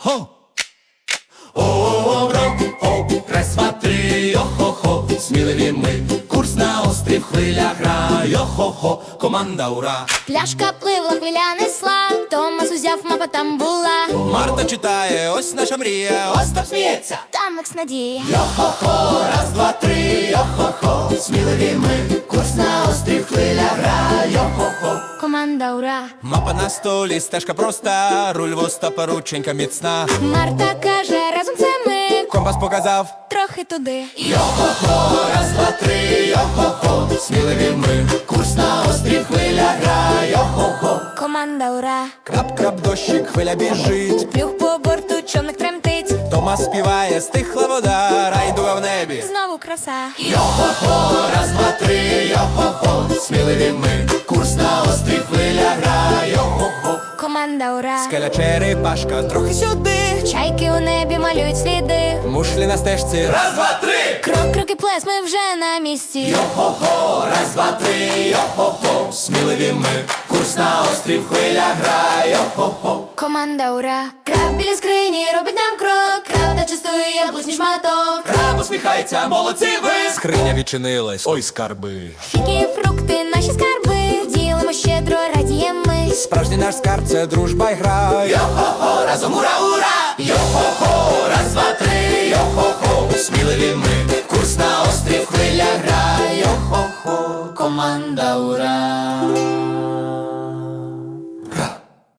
Хо! О, раз, два, три, йо-хо-хо, сміливі ми, курс на острів, хвиля гра, йо-хо-хо, команда ура. Пляшка пливла, хвиля несла, Томас узяв, мапа там була. Марта читає, ось наша мрія, Остап сміється. Там Макс надія. Йо-хо-хо, раз, два, три, йо-хо-хо, сміливі ми, курс на острів, хвиля гра, йо-хо-хо. Команда ура. Мапа на столі, стежка проста, руль в Остапа, рученька міцна. Марта каже, разом це ми, Компас показав. трохи туди. Йо-хо-хо, раз, два, три, йо-хо-хо, сміливі ми, курс на острів, хвиля гра, йо-хо-хо. Команда ура. Крап-крап, дощик, хвиля біжить. Плюх по борту, човник тремтить. Томас співає, стихла вода, райдуга в небі. Знову краса. Йо-хо-хо, раз, два, три, йо-хо-хо, сміливі ми, курс на острів, хвиля гра, йо-хо-хо. Команда ура. Скеля, черепашка, трохи сюди. Чайки у небі малюють сліди. Мушлі на стежці, раз, два, три. Крок, крок і плес, ми вже на місці. Йо-хо-хо, раз, два, три, йо-хо-хо, сміливі ми, курс на острів, хвиля гра, йо-хо-хо. Команда ура. Краб біля скрині робить нам крок. Краб та частує яблучний шматок. Краб усміхається, молодці ви. Скриня відчинилась, ой, скарби. Фіки, фрукти, наші скарби. Ділимо щедро, радіємо ми. Справжній наш скарб – це дружба й гра. Йо-хо-хо, разом ура, ура! Йо-хо-хо,